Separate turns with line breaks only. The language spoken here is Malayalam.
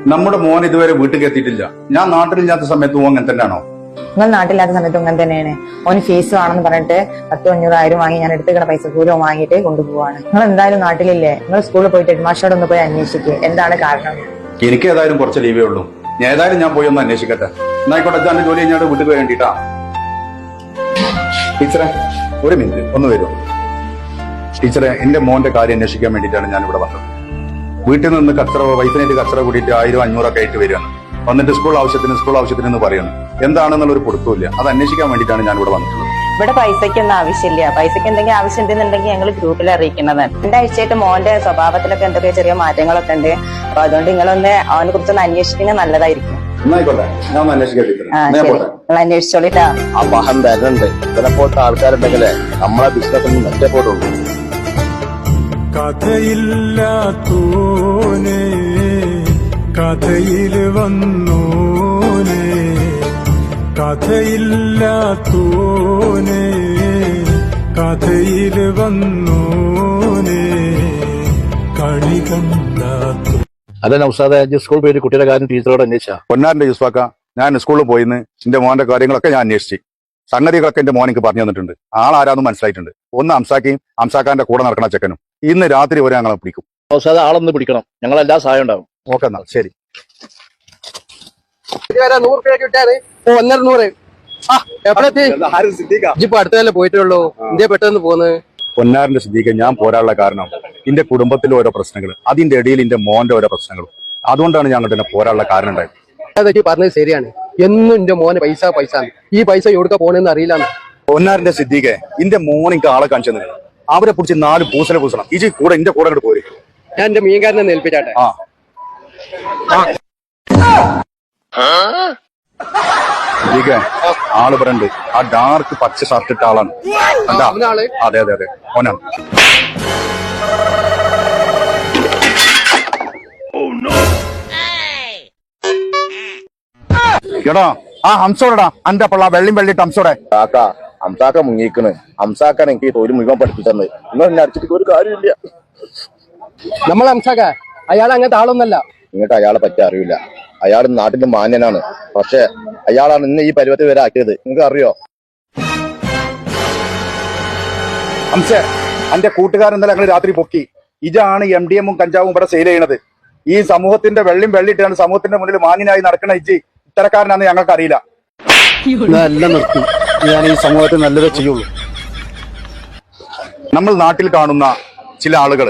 നമ്മുടെ മോൻ ഇതുവരെ വീട്ടിൽ എത്തിയിട്ടില്ല. ഞാൻ നാട്ടിലില്ലാത്ത സമയത്ത് ഓൻ അങ്ങനെ തന്നെയാണോ?
നിങ്ങൾ നാട്ടിലാത്ത സമയത്ത് അങ്ങനെ തന്നെയാണ്. ഓന് ഫീസ് വേണമെന്ന് പറഞ്ഞിട്ട് 10,500 വാങ്ങി ഞാൻ എടുത്തുകിട പൈസ കൂലോ വാങ്ങിയിട്ട് കൊണ്ടുപോവാണ്. നിങ്ങൾ എന്തായാലും നാട്ടിലില്ലേ? നിങ്ങൾ സ്കൂളിൽ പോയിട്ട് ഹെഡ്മാസ്റ്ററോട് ഒന്ന് പോയി അന്വേഷിക്കുക എന്താണ് കാരണം.
എനിക്ക് ഏതായാലും കുറച്ച് ലീവേ ഉള്ളൂ. ഞാൻ ഏതായാലും ഞാൻ പോയി ഒന്ന് അന്വേഷിക്കട്ടെ. എന്നായിക്കോട്ടെ, അച്ഛൻ്റെ ജോലി കഴിഞ്ഞാൽ വീട്ടിൽ വേണ്ടിട്ടാ. ടീച്ചറെ ഒരു മിനിറ്റ് ഒന്ന് വരുമോ? ടീച്ചറെ, എന്റെ മോന്റെ കാര്യം അന്വേഷിക്കാൻ വേണ്ടിയിട്ടാണ് ഞാൻ ഇവിടെ വന്നത്. വീട്ടിൽ നിന്ന് വൈഫിനായിട്ട് കച്ചറ കൂടിയിട്ട് 1,000-500 ആയിട്ട് വരികയാണ്. വന്നിട്ട് സ്കൂൾ ആവശ്യത്തിന് എന്ന് പറയുന്നത് എന്താണെന്നുള്ള ഒരു കൊടുത്തില്ല. അത് അന്വേഷിക്കാൻ വേണ്ടിയിട്ടാണ് ഞാൻ ഇവിടെ വന്നിട്ടുള്ളത്.
ഇവിടെ പൈസയ്ക്കൊന്നും ആവശ്യമില്ല. പൈസയ്ക്ക് എന്തെങ്കിലും ആവശ്യം ഉണ്ടെന്നുണ്ടെങ്കിൽ ഞങ്ങൾ ഗ്രൂപ്പിൽ അറിയിക്കുന്നതാണ്. 2 ആഴ്ചയായിട്ട് മോന്റെ സ്വഭാവത്തിലൊക്കെ എന്തൊക്കെ ചെറിയ മാറ്റങ്ങളൊക്കെ ഉണ്ട്. അപ്പൊ അതുകൊണ്ട് നിങ്ങളൊന്ന് അവനെ കുറിച്ചൊന്ന് അന്വേഷിക്കുന്നത് നല്ലതായിരിക്കും.
എന്നായിക്കോട്ടെ, ഞാൻ ഒന്ന് അന്വേഷിക്കാം.
അന്വേഷിച്ചോളിട്ടാ.
അപഹം തരുന്നുണ്ട്. ചിലപ്പോഴത്തെ ആൾക്കാരുണ്ടെങ്കിലേ നമ്മളെ ബിസിനസ് ഒന്നും മെച്ചപ്പെടുള്ളൂ.
കഥയില്ലാത്തോനെ കഥയിൽ വന്നോനെ, കഥയില്ലാത്തോനെ കഥയിൽ വന്നോനെ, കളി കണ്ടാത്തോ.
അല്ല നൗസാദെ, സ്കൂൾ പോയിട്ട് കുട്ടിയുടെ കാര്യം ടീച്ചറോട് അന്വേഷിച്ചാ?
പൊന്നാറിന്റെ യൂസ്ഫാക്ക, ഞാൻ സ്കൂളിൽ പോയിന്ന് എന്റെ മോന്റെ കാര്യങ്ങളൊക്കെ ഞാൻ അന്വേഷിച്ചു. സംഗതികളൊക്കെ എന്റെ മോൻ എനിക്ക് പറഞ്ഞു തന്നിട്ടുണ്ട്. ആളാരാന്നും മനസ്സിലായിട്ടുണ്ട്. ഒന്ന് അംസാക്കിയും അംസാക്കാന്റെ കൂടെ നടക്കണ ചെക്കനും. ഇന്ന് രാത്രി വരെ ഞങ്ങളെ പിടിക്കും.
നൗസാദെ, ആളൊന്ന് പിടിക്കണം. ഞങ്ങളെല്ലാ സഹായം ഉണ്ടാവും.
ഓക്കെ, എന്നാ ശരി.
100 രൂപ കിട്ടാറ് 100. ഇപ്പൊ അടുത്തല്ലേ പോയിട്ടുള്ളൂ. ഇന്ത്യ പെട്ടെന്ന് പോന്ന്.
പൊന്നാറിന്റെ സ്ഥിതിക്ക് ഞാൻ പോരാനുള്ള കാരണം എന്റെ കുടുംബത്തിലെ ഓരോ പ്രശ്നങ്ങൾ, അതിന്റെ ഇടയിൽ എന്റെ മോന്റെ ഓരോ പ്രശ്നങ്ങളും. അതുകൊണ്ടാണ് ഞങ്ങൾ തന്നെ പോരാനുള്ള കാരണം ഉണ്ടായത്.
അതൊക്കെ പറഞ്ഞത് ശരിയാണ്. എന്നും എന്റെ മോന് പൈസ ഈ പൈസ എവിടുക്ക പോണെന്ന് അറിയില്ല.
പൊന്നാറിന്റെ സ്ഥിതിക്ക് എന്റെ മോൻ എനിക്ക് ആളെ കാണിച്ചു തന്നെ. അവരെ പിടിച്ച് 4 പൂസണം. ഈ കൂടെ എന്റെ കൂടെ അങ്ങോട്ട് പോര്.
ഞാൻ എന്റെ മീൻകാരനെ ഏൽപ്പിച്ചാട്ടെ.
ആള് പറയണ്ട്. ആ ഡാർക്ക് പച്ച ഷർട്ട് ഇട്ട ആളാണ്. അതെ അതെ അതെ, ഓനാണ്. എടാ, ആ ഹംസോടാ അന്റെ പള്ള വെള്ളിട്ട് ഹംസോടെ.
അംസാക്ക മുങ്ങിക്കണ്. അംസാക്കാണ് എനിക്ക് തൊഴിൽ മുഴുവൻ പഠിപ്പിച്ചത്. നിങ്ങൾ എന്നെ അടിച്ചിട്ട് ഒരു കാര്യമില്ല.
നമ്മൾ അംസാക്ക അയാൾ അങ്ങനത്തെ ആളൊന്നല്ല.
നിങ്ങൾക്ക് അയാളെ പറ്റി അറിയില്ല. അയാൾ നാട്ടിന്റെ മാന്യനാണ്. പക്ഷെ അയാളാണ് ഇന്ന് ഈ പരുവത്തിൽ വരെ ആക്കിയത്. നിങ്ങൾക്ക് അറിയോ?
ഹംസേ, അന്റെ കൂട്ടുകാരൻ ഇന്നലെ ഞങ്ങൾ രാത്രി പൊക്കി. ഇതാണ് MDMഉം കഞ്ചാവും ഇവിടെ സെയിൽ ചെയ്യണത്. ഈ സമൂഹത്തിന്റെ വെള്ളിട്ടാണ് സമൂഹത്തിന്റെ മുന്നിൽ മാന്യനായി നടക്കണ ഇത്തരക്കാരനാണെന്ന് ഞങ്ങൾക്ക് അറിയില്ല.
എല്ലാം നിർത്തി. ഞാൻ ഈ സമൂഹത്തിൽ നല്ലതേ ചെയ്യുള്ളൂ.
നമ്മൾ നാട്ടിൽ കാണുന്ന ചില ആളുകൾ